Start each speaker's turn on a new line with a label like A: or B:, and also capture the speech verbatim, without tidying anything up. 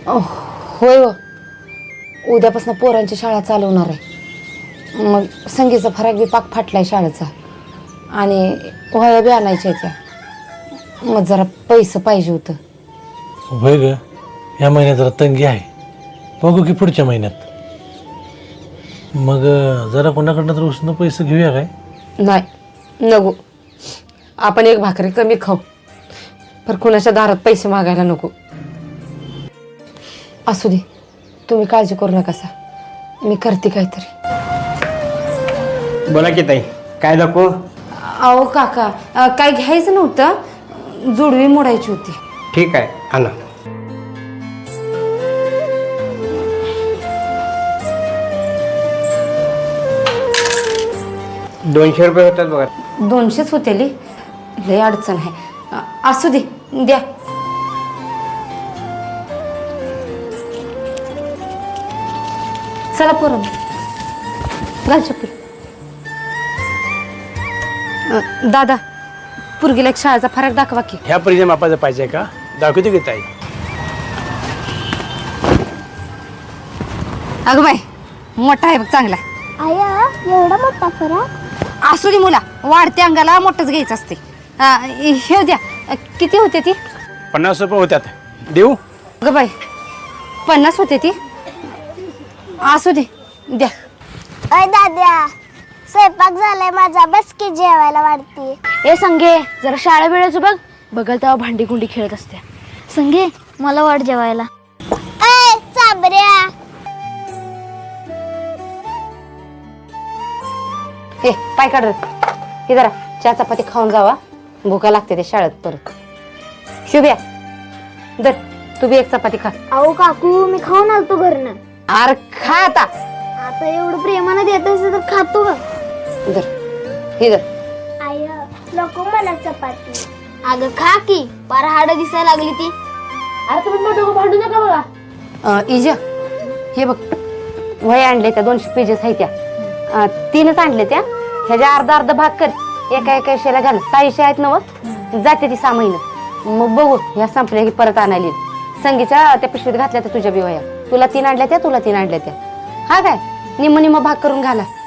A: होय हो, उद्यापासून पोरांची शाळा चालू होणार आहे. मग संगीचा फराक बी पाक फाटलाय शाळेचा आणि वह्या बी आणायच्या त्या. मग जरा पैसे पाहिजे होतं.
B: होय ग, ह्या महिन्यात जरा तंगी आहे. बघू की पुढच्या महिन्यात. मग जरा कोणाकडनं तर उसनं पैसे घेऊया काय?
A: नाही नको, आपण एक भाकरी कमी खाऊ, पर कुणाच्या दारात पैसे मागायला नको. असू दे, तुम्ही काळजी करू नका सा, मी करते काहीतरी.
C: बोला की ताई, काय दाखवू?
A: अहो काका, अ, काय घ्यायचं नव्हतं, जुडवी मोडायची होती.
C: ठीक आहे, आणा. दोनशे रुपये होतात बघा.
A: दोनशेच होते ली, लय अडचण आहे. अ, असू दे, द्या. चला पोरं, घाल चप्पल. अ, दादा, पुरगीला एक शाळेचा फरक दाखवा की.
D: ह्या परीच्या मापाचं पाहिजे का? दाखवतो की ताई.
A: अगं बाई, मोठा आहे बघ, चांगला.
E: आया एवढा मोठा फरक?
A: असू दे मुला, वाढत्या अंगाला मोठंच घ्यायचं असते. अ, हे द्या. अ, किती होते ती?
D: पन्नास रुपये होत्यात, देऊ?
A: अगं बाई, पन्नास होते ती. असू दे, द्या.
E: अय दाद्या, स्वयंपाक झालाय माझा, बस की जेवायला वाढती.
F: ए संगे, जरा शाळा वेळेचं बघ. बघल तेव्हा भांडी कुंडी खेळत असते.
E: संगे मला वाढ जेवायला. अय चाबऱ्या,
A: हे पाय काढ रे. हे जरा चहा चपाती खाऊन जावा, भुका लागते ते शाळेत परत. शुभ्या, दर तू बी एक चपाती खा.
E: अहो काकू, मी खाऊन आलतो घरनं.
A: अरे खा आता.
E: आता एवढं प्रेमानं देत असेल तर खातो का?
A: दर हे दर.
E: आय नको मला चपाती. अगं खा की, पार हाड दिसायला लागली ती.
F: अरे तुम्ही मोठं भांडू नका बघा.
A: अ, इजा, हे बघ, वह्या आणले त्या, दोनशे पेजेस आहेत त्या. अ, तीनच आणले त्या. ह्याच्या अर्धा अर्धा भाग कर, एका एका विषयाला घाल. सहाशे आहेत नव, जाते ती सहा महिने. मग बघू, ह्या संपल्या की परत आणायला येईल. संगीच्या त्या पिशवीत घातल्या त्या तुझ्या बी वह्या. तुला तीन आणल्या त्या, तुला तीन आणल्या त्या. हा काय, निम्म निम्म भाग करून घाला.